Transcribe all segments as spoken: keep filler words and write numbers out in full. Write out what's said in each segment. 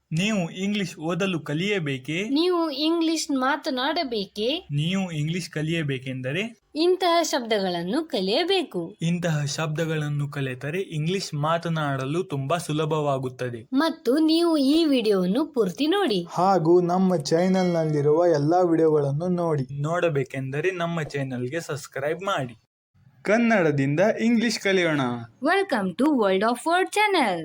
ನೀವು ಇಂಗ್ಲಿಷ್ ಓದಲು ಕಲಿಯಬೇಕೇ? ನೀವು ಇಂಗ್ಲಿಷ್ ಮಾತನಾಡಬೇಕೇ? ನೀವು ಇಂಗ್ಲಿಷ್ ಕಲಿಯಬೇಕೆಂದರೆ ಇಂತಹ ಶಬ್ದಗಳನ್ನು ಕಲಿಯಬೇಕು. ಇಂತಹ ಶಬ್ದಗಳನ್ನು ಕಲಿತರೆ ಇಂಗ್ಲಿಷ್ ಮಾತನಾಡಲು ತುಂಬಾ ಸುಲಭವಾಗುತ್ತದೆ. ಮತ್ತು ನೀವು ಈ ವಿಡಿಯೋವನ್ನು ಪೂರ್ತಿ ನೋಡಿ. ಹಾಗೂ ನಮ್ಮ ಚಾನೆಲ್ ನಲ್ಲಿರುವ ಎಲ್ಲಾ ವಿಡಿಯೋಗಳನ್ನು ನೋಡಿ. ನೋಡಬೇಕೆಂದರೆ ನಮ್ಮ ಚಾನೆಲ್ಗೆ ಸಬ್ಸ್ಕ್ರೈಬ್ ಮಾಡಿ. ಕನ್ನಡದಿಂದ ಇಂಗ್ಲಿಷ್ ಕಲಿಯೋಣ. Welcome to world of word channel.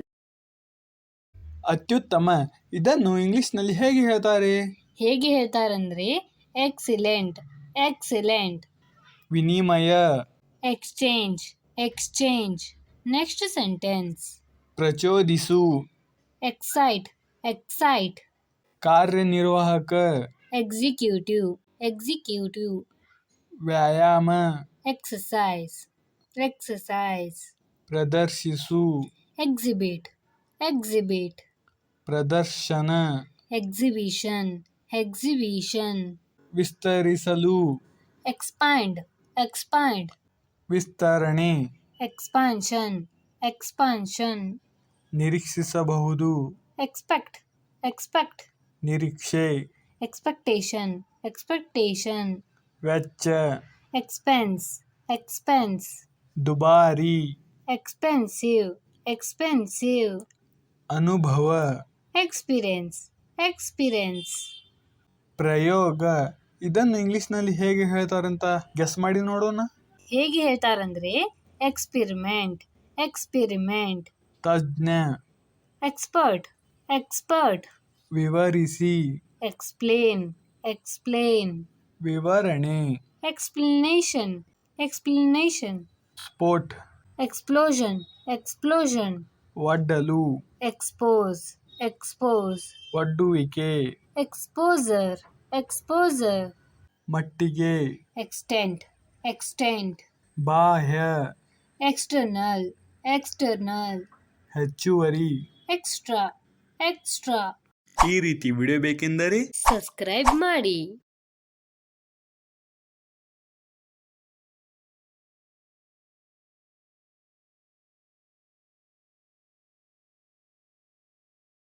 ಅತ್ಯುತ್ತಮ ಇದನ್ನು ಇಂಗ್ಲಿಷ್ನಲ್ಲಿ ಹೇಗೆ ಹೇಳ್ತಾರೆ? ಹೇಗೆ ಹೇಳ್ತಾರಂದ್ರೆ ಎಕ್ಸಿಲೆಂಟ್, ಎಕ್ಸಿಲೆಂಟ್. ವಿನಿಮಯ, ಎಕ್ಸ್ಚೇಂಜ್, ಎಕ್ಸ್ಚೇಂಜ್. Next sentence. ಪ್ರಚೋದಿಸು, ಎಕ್ಸೈಟ್, ಎಕ್ಸೈಟ್. ಕಾರ್ಯನಿರ್ವಾಹಕ, ಎಕ್ಸಿಕ್ಯೂಟಿವ್, ಎಕ್ಸಿಕ್ಯೂಟಿವ್. ವ್ಯಾಯಾಮ, ಎಕ್ಸಸೈಸ್, ಎಕ್ಸಸೈಸ್. ಪ್ರದರ್ಶಿಸು, ಎಕ್ಸಿಬಿಟ್, ಎಕ್ಸಿಬಿಟ್. ಪ್ರದರ್ಶನ, ಎಕ್ಸಿಬಿಷನ್, ಎಕ್ಸಿಬಿಷನ್. ವಿಸ್ತರಿಸಲು, ಎಕ್ಸ್ಪ್ಯಾಂಡ್, ಎಕ್ಸ್ಪ್ಯಾಂಡ್. ವಿಸ್ತರಣೆ, ಎಕ್ಸ್ಪಾನ್ಷನ್, ಎಕ್ಸ್ಪಾನ್ಷನ್. ನಿರೀಕ್ಷಿಸಬಹುದು, ಎಕ್ಸ್ಪೆಕ್ಟ್, ಎಕ್ಸ್ಪೆಕ್ಟ್. ನಿರೀಕ್ಷೆ, ಎಕ್ಸ್ಪೆಕ್ಟೇಷನ್, ಎಕ್ಸ್ಪೆಕ್ಟೇಷನ್. ವೆಚ್ಚ, ಎಕ್ಸ್ಪೆನ್ಸ್, ಎಕ್ಸ್ಪೆನ್ಸ್. ದುಬಾರಿ, ಎಕ್ಸ್ಪೆನ್ಸಿವ್, ಎಕ್ಸ್ಪೆನ್ಸಿವ್. ಅನುಭವ, ಎಕ್ಸ್ಪೀರಿಯನ್ಸ್, ಎಕ್ಸ್ಪೀರಿಯನ್ಸ್. ಪ್ರಯೋಗ ಇದನ್ನು ಇಂಗ್ಲಿಷ್ನಲ್ಲಿ ಹೇಗೆ ಹೇಳ್ತಾರಂತ ಗೆಸ್ ಮಾಡಿ ನೋಡೋಣ. ಹೇಗೆ ಹೇಳ್ತಾರಂದ್ರೆ ಎಕ್ಸ್ಪಿರಿಮೆಂಟ್, ಎಕ್ಸ್ಪಿರಿಮೆಂಟ್. ತಜ್ಞ, ಎಕ್ಸ್ಪರ್ಟ್, ಎಕ್ಸ್ಪರ್ಟ್. ವಿವರಿಸಿ, ಎಕ್ಸ್ಪ್ಲೇನ್, ಎಕ್ಸ್ಪ್ಲೇನ್. ವಿವರಣೆ, ಎಕ್ಸ್ಪ್ಲನೇಷನ್, ಎಕ್ಸ್ಪ್ಲನೇಷನ್. ಸ್ಫೋಟ್, ಎಕ್ಸ್ಪ್ಲೋಷನ್, ಎಕ್ಸ್ಪ್ಲೋಷನ್. ಒಡ್ಡಲು, ಎಕ್ಸ್ಪೋಸ್, ಎಕ್ಸ್ಪೋಸ್. ಒಡ್ಡುವಿಕೆ, ಎಕ್ಸ್ಪೋಸರ್, ಎಕ್ಸ್ಪೋಸರ್. ಮಟ್ಟಿಗೆ, ಎಕ್ಸ್ಟೆಂಟ್, ಎಕ್ಸ್ಟೆಂಟ್. ಬಾಹ್ಯ, ಎಕ್ಸ್ಟರ್ನಲ್, ಎಕ್ಸ್ಟರ್ನಲ್. ಹೆಚ್ಚುವರಿ. Extra, extra. ಈ ರೀತಿ ವಿಡಿಯೋ ಬೇಕೆಂದರೆ ಸಬ್ಸ್ಕ್ರೈಬ್ ಮಾಡಿ.